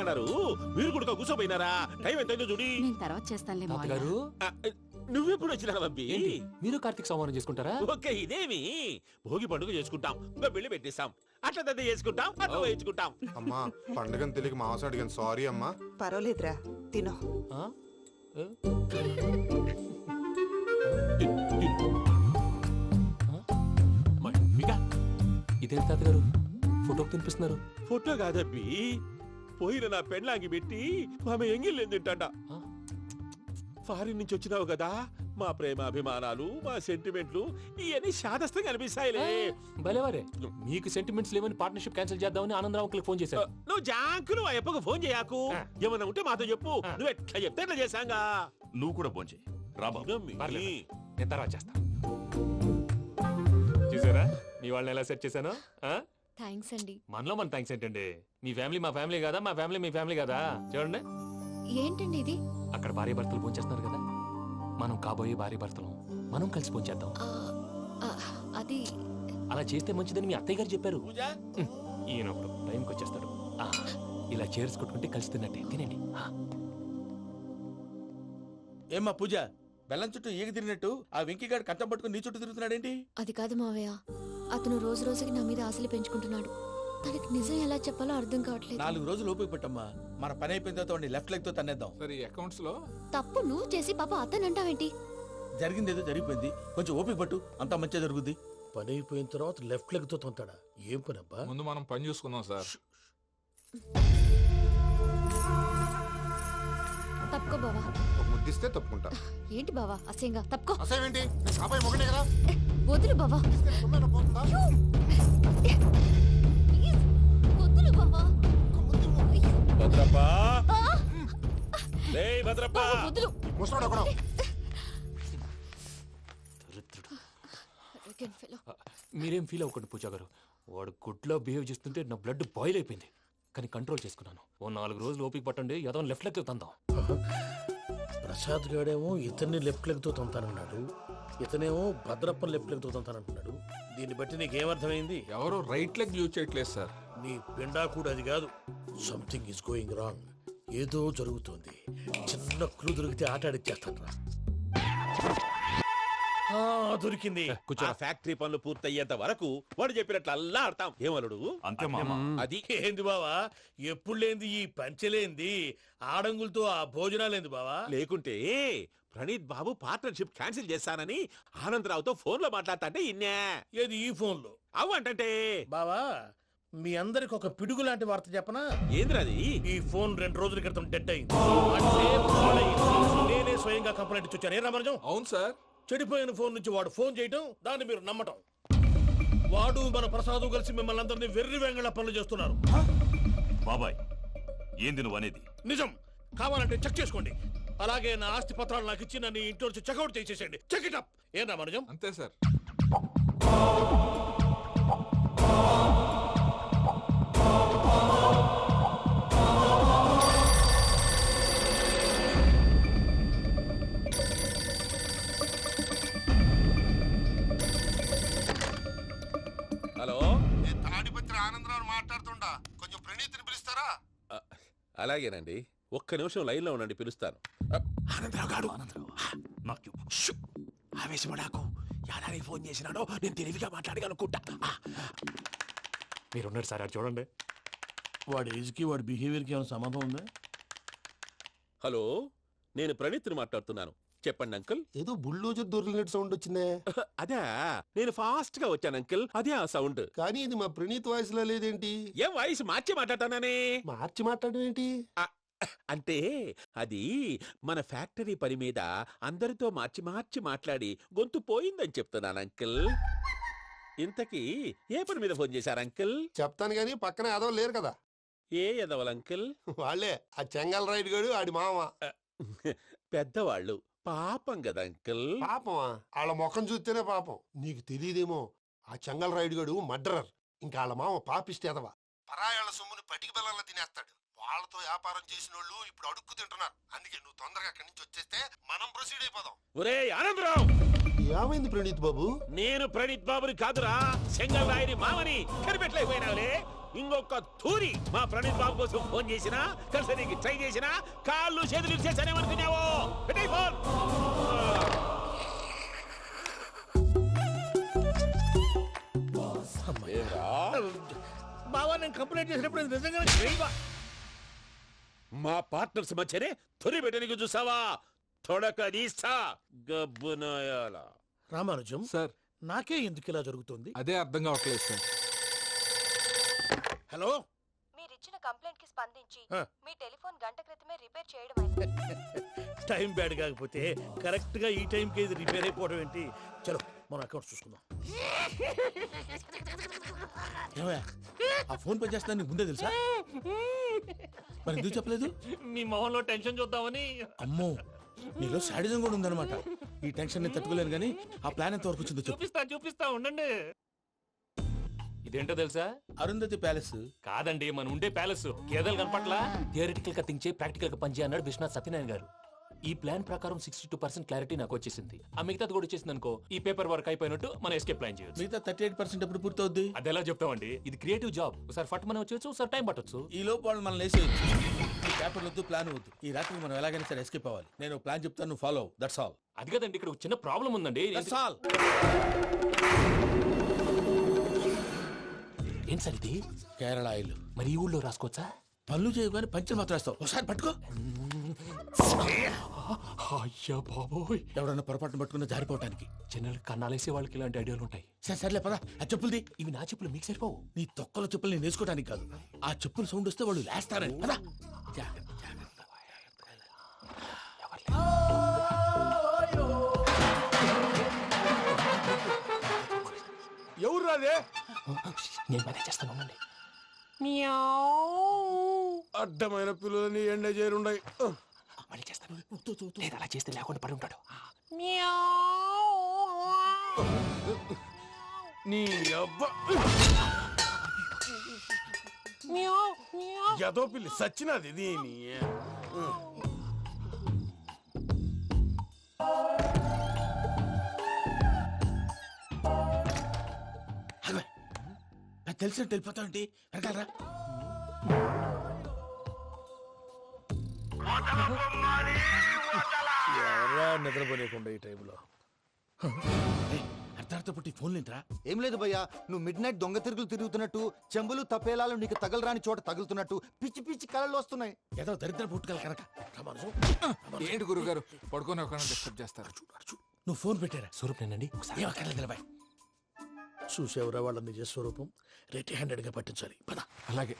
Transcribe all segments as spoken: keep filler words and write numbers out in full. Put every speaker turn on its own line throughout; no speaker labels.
చేస్తున్నారు? మీరు కూడా కూర్చోపోయినారా? టైం ఎంతైందో చూడి.
నేను తర్వాత చేస్తానులే మావయ్య.
గారు
నువ్వెప్పుడు వచ్చినా బంబి?
మీరు కార్తీక్ సంహారం చేసుకుంటారా?
ఓకే, ఇదేమి భోగి పండుగ చేసుకుంటాం, ఇంకా పెళ్లి పెట్టేస్తాం, అట్లా దద్ద చేసుకుంటాం, అట్లా వేయించుకుంటాం.
అమ్మా పండుగని తెలియక మాంసం అడిగాను, సారీ అమ్మా.
పర్వాలేదురా, తినో.
ఆ? ఏ? ఇదేంటి తాతగారు ఫోటోకి తినిపిస్తున్నారు?
ఫోటో కాదబ్బి, పోయిన నా పెళ్ళాంగి పెట్టి ఆమె ఎంగిల్లేం తింటాడ. ఫారిన్ నుంచి వచ్చినావు కదా, మా ప్రేమ అభిమానాలు, మా సెంటిమెంట్లు ఇవన్నీ శాదస్తంగా అనిపిస్తాయిలే.
భలేవారే, మీకు సెంటిమెంట్స్ లేవని పార్ట్నర్షిప్ క్యాన్సిల్ చేద్దామని ఆనందరావు అంకుల్ ఫోన్ చేశారు.
నువ్వు జాంకు నువ్వు అయ్యప్పకు ఫోన్ చేయకు, ఏమన్నా ఉంటే మాతో చెప్పు. నువ్వు ఎట్లా చెప్తే ఎట్లా చేశాంగా.
నువ్వు కూడా ఫోన్ చేయి రాబా.
నేను తర్వాత చేస్తా. చూసారా మీ వాళ్ళని ఎలా సెట్ చేశాను?
థ్యాంక్స్ అండి.
మనలో మన థ్యాంక్స్ ఏంటండి? మీ ఫ్యామిలీ మా ఫ్యామిలీ కదా, మా ఫ్యామిలీ మీ ఫ్యామిలీ కదా. చూడండి,
ఏంటండి ఇది?
అక్కడ భార్య భర్తలు పోంచేస్తున్నారు కదా, మనం కాబోయే భార్య భర్తలు మనం కలిసి పోంచేద్దాం.
ఆ, అది
అలా చేస్తే మంచిదని మీ అత్తయ్య గారు చెప్పారు.
పూజ
ఈయన ఒకడు టైంకి వచ్చేస్తాడు. ఆ, ఇలా చేర్స్ కొట్టుకుంటే కలిసి తిన్నట్టే. తినండి. ఆ.
ఏమ్మా పూజ, బెల్లం చుట్టూ ఈగ తిరిగినట్టు ఆ వెంకీగాడు కంచం పట్టుకుని నీ చుట్టూ తిరుగుతున్నాడేంటి?
అది కాదు మావయ్య, అతను రోజు రోజుకి నా మీద ఆశలు పెంచుకుంటున్నాడు. తనకి నిజం ఎలా చెప్పాలో అర్థం కావట్లేదు.
నాలుగు రోజులు ఓపిక పట్టమ్మా, మన పని అయిపోయిన తర్వాత వాడిని లెఫ్ట్ లెగ్ తో తన్నేద్దాం.
సరే అకౌంట్స్ లో
తప్పు నువ్వు చేసి పాప అతను అంటావేంటి?
జరిగింది ఏదో జరిగిపోయింది, కొంచెం ఓపిక పట్టు, అంతా మంచిగా జరుగుద్ది.
పని అయిపోయిన తర్వాత లెఫ్ట్ లెగ్ తో తొంతాడా? ఏం పని అబ్బా?
ముందు మనం పని చూసుకుందాం సార్.
తప్పుకో బావా.
ఒక ముద్దిస్తే తప్పుకుంటా.
ఏంటి బావా అసహ్యంగా? తప్పుకో.
అసేమేంటి? అబ్బాయి మొగనే కదా,
వదులు బావా.
తొమ్మిది పోతుందా?
ప్లీజ్, వదులు బావా.
భద్రప్ప, రేయ్ భద్రప్ప,
బావా, వదులు.
ముసలోడు ఒకడు.
Arrogant fellow.
మీరేం ఫీల్ అవ్వకండి పూజా గారు. వాడు గుడ్లో బిహేవ్ చేస్తుంటే నా బ్లడ్ బాయిల్ అయిపోయింది, కానీ కంట్రోల్ చేసుకున్నాను. ఓ నాలుగు రోజులు ఓపిక పట్టండి, ఏదో లెఫ్ట్ లెగ్ తందాం.
ప్రసాద్ గాడేమో ఇతన్ని లెఫ్ట్ లెగ్ తో తొంతానన్నాడు, ఇతనేమో భద్రప్పని లెఫ్ట్ లెగ్ తో తొంతానంటున్నాడు. దీన్ని బట్టి నీకేమర్థమైంది?
ఎవరు రైట్ లెగ్ యూజ్ చేయట్లేదు సార్.
నీ పిండా కూడా అది కాదు. Something is going wrong. ఏదో జరుగుతోంది. చిన్న క్లూ దొరికితే ఆట ఆడిచ్చేస్తాను రా. దొరికింది.
ఆ ఫ్యాక్టరీ పనులు పూర్తయ్యేంత వరకు వాడు చెప్పినట్లు అల్లా ఆడతాం. ఏమలుడు?
అంతే మామ.
అది
ఏంది బావా, ఎప్పుడు లేంది ఈ పంచలేంది, ఆడంగులతో ఆ భోజనాలేంది బావా?
లేకుంటే ప్రణీత్ బాబు పార్ట్నర్షిప్ క్యాన్సిల్ చేస్తానని ఆనందరావుతో ఫోన్ లో మాట్లాడతాంటే ఇన్నే.
ఏది ఈ ఫోన్ లో?
అవ్వంటే
బావా, మీ అందరికి ఒక పిడుగు లాంటి వార్త చెప్పనా?
ఏంద్రది?
ఈ ఫోన్ రెండు రోజుల క్రితం డెడ్ అయింది. అంటే పాడైంది. నేనే స్వయంగా కంప్లైంట్ ఇచ్చి వచ్చాను. ఏ రామరాజం?
అవును సార్.
చెడిపోయిన ఫోన్ నుంచి వాడు ఫోన్ చేయటం, దాన్ని మీరు నమ్మటం. వాడు మన ప్రసాదు కలిసి మిమ్మల్ని అందరినీ వెర్రి వెంగళ పనులు చేస్తున్నారు.
బాబాయ్, ఏంది నువ్వు అనేది?
నిజం. కావాలంటే చెక్ చేసుకోండి. అలాగే నా ఆస్తి పత్రాలు నాకు ఇచ్చి నన్ను ఇంట్లో నుంచి చెక్అౌట్ చేసేసండి. Check it up. ఏం రామరాజం?
అంతే సార్.
హలో,
నేను తాడిపత్రి ఆనందరావు మాట్లాడుతుండా, కొంచెం ప్రణీతిని పిలుస్తారా?
అలాగేనండి, ఒక్క నిమిషం లైన్ లో ఉండండి, పిలుస్తాను. ఆనందరావు గాడు.
నాకు
ఆవేశపడాకు. యాదానికి ఫోన్ చేసినాడో నేను తెలివిగా మాట్లాడగలనుకుంటా.
మీరున్నారు సార్, అది చూడండి.
వాడి ఏజ్కి వాడి బిహేవియర్కి ఏమైనా సంబంధం ఉందా?
హలో, నేను ప్రణీత్ని మాట్లాడుతున్నాను. చెప్పండి అంకుల్.
ఏదో బుల్డోజర్ దొరికినట్టు సౌండ్ వచ్చిందే.
అదే, నేను ఫాస్ట్ గా వచ్చాను అంకుల్, అదే ఆ సౌండ్.
కానీ ఇది మా ప్రణీత్ వాయిస్ లో లేదేంటి?
ఏం వాయిస్ మార్చి మాట్లాడతాననే?
మార్చి మాట్లాడడం ఏంటి?
అంటే అది మన ఫ్యాక్టరీ పని మీద అందరితో మార్చి మార్చి మాట్లాడి గొంతు పోయిందని చెప్తున్నాను అంకుల్. ఇంతకీ ఏ పని మీద ఫోన్ చేశారు అంకుల్?
చెప్తాను గానీ పక్కన ఏదో లేరు కదా.
ఏ ఎదవల్ అంకుల్?
వాళ్ళే ఆ చెంగల్ రైడ్ గడు, ఆడి మామ.
పెద్దవాళ్ళు, పాపం కదా అంకుల్.
పాపమా? వాళ్ళ ముఖం చూస్తేనే పాపం. నీకు తెలియదేమో, ఆ చెంగల్ రైడ్ గడు మర్డరర్. ఇంకా వాళ్ళ మామ పాపిస్తేదవా. పరాయాళ్ళ సొమ్ముని పటికి బెల్లంలో తినేస్తాడు. వాళ్ళతో వ్యాపారం చేసిన వాళ్ళు ఇప్పుడు అడుక్కు తింటున్నారు. అందుకే నువ్వు తొందరగా అక్కడి నుంచి వచ్చేస్తే మనం ప్రొసీడ్ అయిపోదాం.
ఒరే ఆనందరావు!
ఏమైంది ప్రణీత్ బాబు?
నేను ప్రణీత్ బాబుని కాదురా, సెంగల్ రాయని మామని కనిపెట్టలేకపోయినావులే. ఇంకొక తూరి మా ప్రణీత్ బాబు కోసం ఫోన్ చేసినా కలిసి నీకు ట్రై చేసినా కాళ్ళు చేతులు చేశానేమనుకున్నావు పెట్టేయ్ ఫోన్.
బావా నేను కంప్లైంట్ చేసినప్పుడు ఇది నిజంగానే చేయవా?
మా పార్ట్నర్స్ మధ్యనే తొలి పెట్టడానికి చూసావా? తొడక తీస్తా గబ్బునాయాల.
రామానుజం
సార్
నాకే ఎందుకు ఇలా జరుగుతుంది?
అదే అర్థం కావట్లేదు సార్.
హలో,
మీరిచ్చిన కంప్లైంట్ కి స్పందించి
ఆ.
మీ టెలిఫోన్ గంట క్రితమే రిపేర్ చేయడం
టైం బ్యాడ్ కాకపోతే కరెక్ట్ గా ఈ టైంకి ఇది రిపేర్ అయిపోవడం ఏంటి? చలో మన అకౌంట్ చూసుకుందాం.
ఏమయ్యా ఆ ఫోన్ పని చేస్తున్నా నీకు ముందే తెలుసా? మరి ఎందుకు చెప్పలేదు?
మీ మొహంలో టెన్షన్ చూద్దామని.
అమ్మో నీలో శాడిజం కూడా ఉందన్నమాట. ఈ టెన్షన్ నేను తట్టుకోలేను కానీ ఆ ప్లాన్ ఎంత వరకు వచ్చిందో చెప్పు.
చూపిస్తా చూపిస్తా ఉండండి. ఇదేంటో తెలుసా?
అరుంధతి ప్యాలెస్.
కాదండి, మన ఉండే ప్యాలెస్. గేదెలు కనపట్లా? థియరిటికల్ గా థింక్ చేయి, ప్రాక్టికల్ గా పనిచేయి అన్నాడు విశ్వనాథ్ సత్యనారాయణ గారు. ఈ ప్లాన్ ప్రకారం సిక్స్టీ టూ పర్సెంట్ క్లారిటీ నాకు వచ్చేసింది. ఆ మిగతాది కూడా వచ్చేసింది అనుకో, ఈ పేపర్ వర్క్ అయిపోయినట్టు మనం ఎస్కేప్ ప్లాన్ చేయొచ్చు.
మిగతా థర్టీ ఎయిట్ పర్సెంట్ ఎప్పుడు పూర్తవుద్ది?
అది ఎలా చెప్తామండి? ఇది క్రియేటివ్ జాబ్. ఒకసారి ఫట్ మనం వచ్చేయచ్చు, ఒకసారి టైం పట్టొచ్చు.
ఈ లోపు వాళ్ళు మనం లేసేయచ్చు. ఈ పేపర్ వద్దు, ప్లాన్ వద్దు. ఈ రాత్రికి మనం ఎలాగైనా సరే ఎస్కేప్ అవ్వాలి. నేను ప్లాన్ చెప్తాను, నువ్వు ఫాలో. That's all.
అది కదండి, ఇక్కడ ఒక చిన్న ప్రాబ్లం ఉందండి.
That's all.
ఏం సార్ ఇది?
కేరళ ఆయిల్.
మరి ఈ ఊళ్ళో రాసుకోవచ్చా?
పనులు చేయగానే పంచర్ మాత్రం వేస్తావు. ఒకసారి పట్టుకో.
అయ్యా బాబోయ్,
ఎవడన్నా పొరపాటున పట్టుకున్న జారిపోవటానికి.
జనరల్ కన్నాలేసే వాళ్ళకి ఇలాంటి ఐడియాలు ఉంటాయి.
సరే సర్లే పదా. ఆ చెప్పులది.
ఇవి నా చెప్పులు మీకు సరిపోవు.
నీ తొక్కల చెప్పులు నేను వేసుకోవడానికి కాదు, ఆ చెప్పులు సౌండ్ వస్తే వాళ్ళు లేస్తారని. పదా.
ఎవరు రాదే?
నేను మేనేజ్ చేస్తాను, ఉండండి.
అడ్డమైన పిల్లలని ఎండ చేరుండయి.
మళ్ళీ చేస్తాను. లేదు, అలా చేస్తే లేకుండా పడి ఉంటాడు.
నీ అబ్బా ఎదో పిల్లి సచ్చినది దీని.
తెలిసినట్టు వెళ్ళిపోతావంటి. వెనకాలరా.
ఎవరా నిద్రపోలేకుండా ఈ టైంలో?
అర్ధార్థ పుట్టి ఫోన్ లేంట్రా.
ఏం లేదు భయ్యా, నువ్వు మిడ్ నైట్ దొంగ తిరుగులు తిరుగుతున్నట్టు, చెంబులు తప్పేలాలు నీకు తగలరాని చోట తగులుతున్నట్టు పిచ్చి పిచ్చి కళలు వస్తున్నాయి.
ఏదో దరిద్ర పుట్టుకల కనుక. రామానుజం,
ఏంటి గురుగారు పడుకొని ఒక డిస్టర్బ్ చేస్తారు?
నువ్వు ఫోన్ పెట్టారా?
స్వరూప్ నేనండి.
ఏం అక్కర్లేదు నిలబాయ్.
చూసేవరా వాళ్ళ నిజ స్వరూపం. రెట్టి హ్యాండెడ్ గా పట్టించాలి. పద.
అలాగే.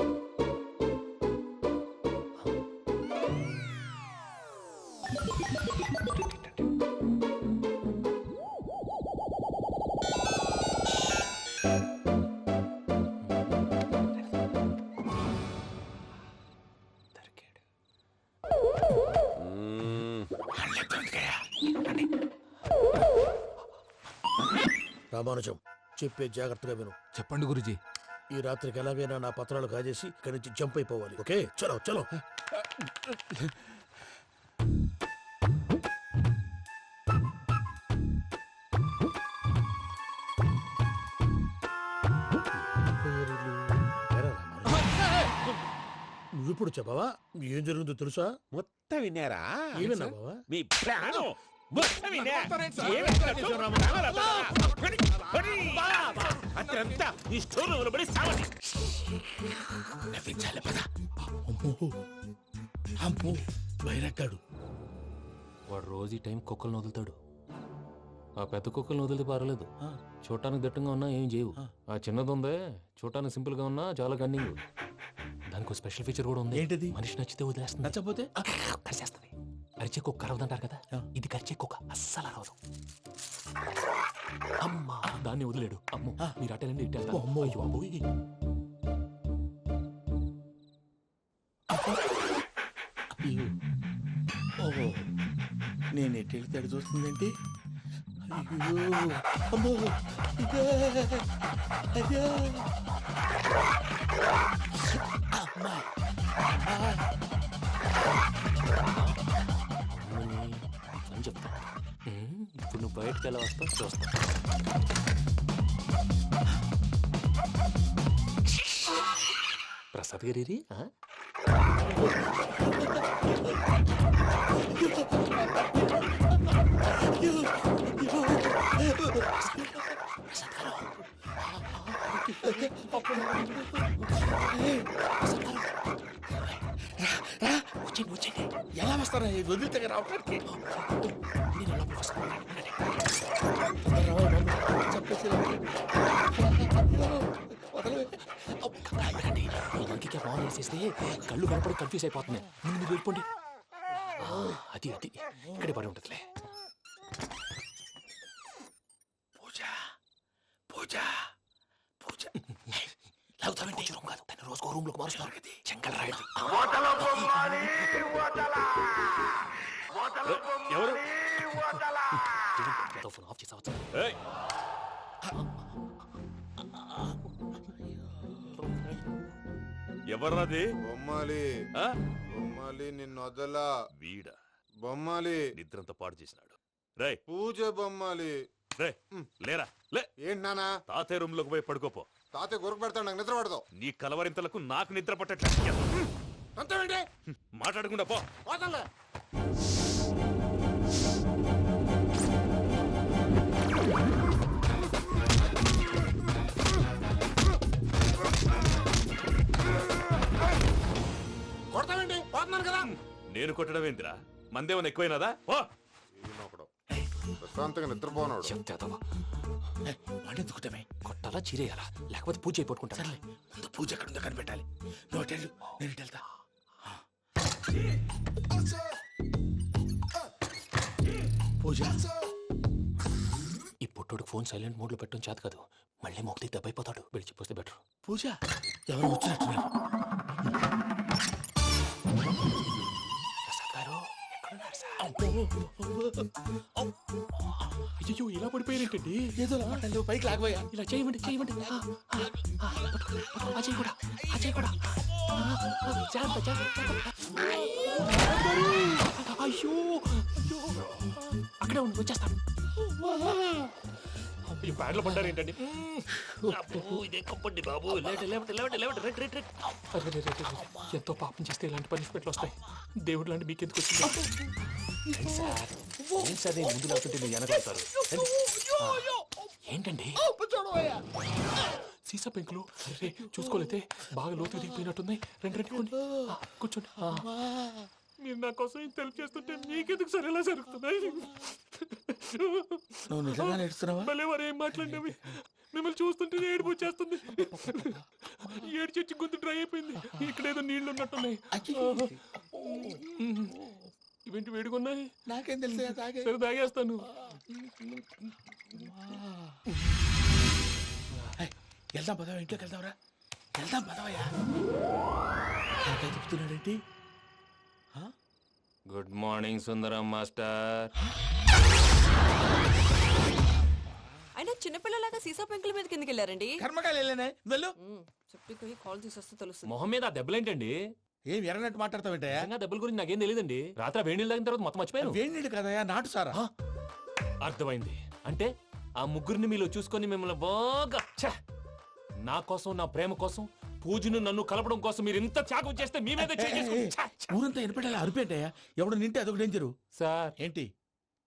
రామానుజం, చెప్పే జాగ్రత్తగా విను.
చెప్పండి గురుజీ.
ఈ రాత్రికి ఎలాగైనా నా పత్రాలు కాజేసి ఇక్కడి నుంచి జంప్ అయిపోవాలి. ఓకే, చలో చలో. నువ్విప్పుడు చెప్పవా ఏం జరుగుతుందో తెలుసా?
మొత్తం విన్నారా?
ఏమన్నా బావా?
మీ ప్లాను మొత్తం విన్నా? అతనంతా ఈ స్టోర్ రూమ్ లో పడి సావండి.
నవ్వించాలి. పద. అమ్మో అమ్మో బైరక్కాడు.
వాడు రోజు ఈ టైం కుక్కలను వదులుతాడు. ఆ పెద్ద కుక్కలను వదిలితే పర్లేదు, చూడటానికి దట్టంగా ఉన్నా ఏం చేయవు. ఆ చిన్నది ఉందే, చూడటానికి సింపుల్ గా ఉన్నా చాలా కన్నింగ్. దానికి ఒక స్పెషల్ ఫీచర్ కూడా ఉంది.
ఏంటిది?
మనిషి నచ్చితే వదిలేస్తుంది.
నచ్చపోతే
కరిచేస్తుంది. అరిచే కుక్క అరవదంటారు కదా, ఇది కరిచే కుక్క అస్సలు అరవదు. అమ్మా, దాన్ని వదిలేడు. అమ్మో, మీరు అటెండి ఇటు వెళ్తారు.
అమ్మో.
అయ్యో అబ్బోయ్.
ఓహో, నేను ఎటు వెళ్తే అటు చూస్తుందేంటి? అయ్యో అమ్మో, ఇదే, అదే. అమ్మా,
అని చెప్తా. ఇప్పుడు నువ్వు బయటకు ఎలా వస్తావు చూస్తా. ప్రసాద్ గారి
వచ్చేయండి వచ్చేయండి ఎలా వస్తారా వదిలితే రావడానికి
మనకి బాగా వేసేస్తే కళ్ళు కనపడి కన్ఫ్యూజ్ అయిపోతున్నాయి. ముందు మీరు వెళ్ళిపోండి. అది అది ఇక్కడే పడి ఉంటుందిలే.
పూజ పూజ పూజ లాగుతామంటే రూమ్ కాదు తన రోజుకో రూమ్ లోకి మారుస్తున్నారు కదా చెంగల్ రాయడు.
ఎవరు
ఫోన్ ఆఫ్ చేసావచ్చు.
ఎవర్రాది?
బొమ్మాలి బొమ్మాలి నిన్ను వదలా.
వీడ
బొమ్మాలి
నిద్రంతా పాడు చేసినాడు. రే
పూజ బొమ్మాలి.
రే లేరా లే.
ఏంటి నానా?
తాతయ్య రూమ్ లోకి పోయి పడుకోపో.
తాతయ్య గురకు పెడతాడు, నాకు నిద్ర పడతావు.
నీ కలవరింతలకు నాకు నిద్ర పట్టట్లేదు.
అంతేంటి
మాట్లాడకుండా పో.
పోతాలే. కొడతావేంటి? పోతున్నాను కదా.
నేను కొట్టడం ఏంటిరా? మందేమన్నా ఎక్కువైనదా? ఓ
ప్రశాంతంగా నిద్రపోనాడు.
వాడెందుకుంటామే
కొట్టాలా చీరేయాలా లేకపోతే పూజ అయిపోట్టుకుంటా.
సర్లే ముందు పూజ ఎక్కడ ఉందో కనిపెట్టాలి. నువ్వు అటెండు నేను ఇటు వెళ్తా. పూజ
ఈ పుట్టోడు ఫోన్ సైలెంట్ మోడ్ లో పెట్టడం చేత కాదు. మళ్ళీ మొక్కి దెబ్బైపోతాడు. వెళ్ళి చెప్పొస్తే బెటర్.
పూజ ఎవరు వచ్చినట్టున్నారు.
ప్రసాద్ గారు ఎక్కడున్నారు సార్? అయ్యో ఇలా పడిపోయినట్టండి.
ఏదో లాంటి పైకి లాగబోయా.
ఇలా చేయమండి చేయమండి. ఆ, ఆ, ఆ, పట్టుకో, పట్టుకో. ఆ చేయి కూడా ఆ చేయి కూడా. ఆ, ఆ, జాగ్రత్త, జాగ్రత్త, జాగ్రత్త. అయ్యో అయ్యో అక్కడే ఉండి వచ్చేస్తాను. ఈ బ్యాడ్లో పడ్డారు ఏంటండి? ఇదే కప్పండి బాబు. లేవండి లేవండి లేవండి లేవండి రెడ్ రెడ్ రెడ్. అరే రే, రే, రే, రే. ఎంతో పాపం చేస్తే ఇలాంటి పనిష్మెంట్లు వస్తాయి. దేవుడు లాంటి మీకు ఎందుకు వచ్చింది సార్? ఏం సార్ నేను ముందు లేకుంటే మీరు వెనకాడతారు. ఏంటండి సీసా పెంకులు? అరే చూసుకోలేతే బాగా లోతు దిగిపోయినట్టున్నాయి. రెండు రెండు కొన్ని కూర్చోండి. మీరు నా కోసం ఇంత హెల్ప్ చేస్తుంటే మీకెందుకు సరే ఎలా జరుగుతున్నాయి?
నువ్వు నిజంగా నేర్చుతున్నావా?
మళ్ళీ వారు ఏం మాట్లాడినవి మిమ్మల్ని చూస్తుంటే ఏడుపు వచ్చేస్తుంది. ఏడు చచ్చి గొంతు డ్రై అయిపోయింది. ఇక్కడ ఏదో నీళ్లు ఉన్నట్టున్నాయి. ఇవేంటి వేడుకున్నాయి?
నాకేం తెలుసు.
సరే తాగేస్తాను.
వెళ్దాం పదవా, ఇంట్లోకి వెళ్దాంరా. వెళ్దాం పదవయ్యా. నాకై చెప్తున్నాడేంటి?
Good morning Sundaram master.
అయినా చిన్నపిల్లలాగా సీసా పెంకుల మీద కిందకి వెళ్ళారండి.
కర్మకాయలు వెళ్ళానే వెళ్ళు.
చెప్పి కాల్ తీసేస్తే తెలుస్తుంది.
మొహం మీద ఆ దెబ్బలేంటండి?
ఏం ఎర్రనట్టు మాట్లాడతావేంటయా?
దెబ్బల గురించి నాకేం తెలియదండి. రాత్రి వేడి నీళ్ళు తాగిన తర్వాత మొత్తం మర్చిపోయాను.
వేడి నీళ్ళు కదయా, నాటు సారా.
అర్థమైంది. అంటే ఆ ముగ్గురిని మీలో చూసుకొని మిమ్మల్ని బాగా ఛ! నా కోసం నా ప్రేమ కోసం పూజను నన్ను కలపడం కోసం మీరు ఇంత త్యాగం చేస్తే మీ మీద
ఊరంతా ఎనపెట్టాలి అరిపేంటయా. ఎవడు నింటే అదొక డేంజరు
సార్.
ఏంటి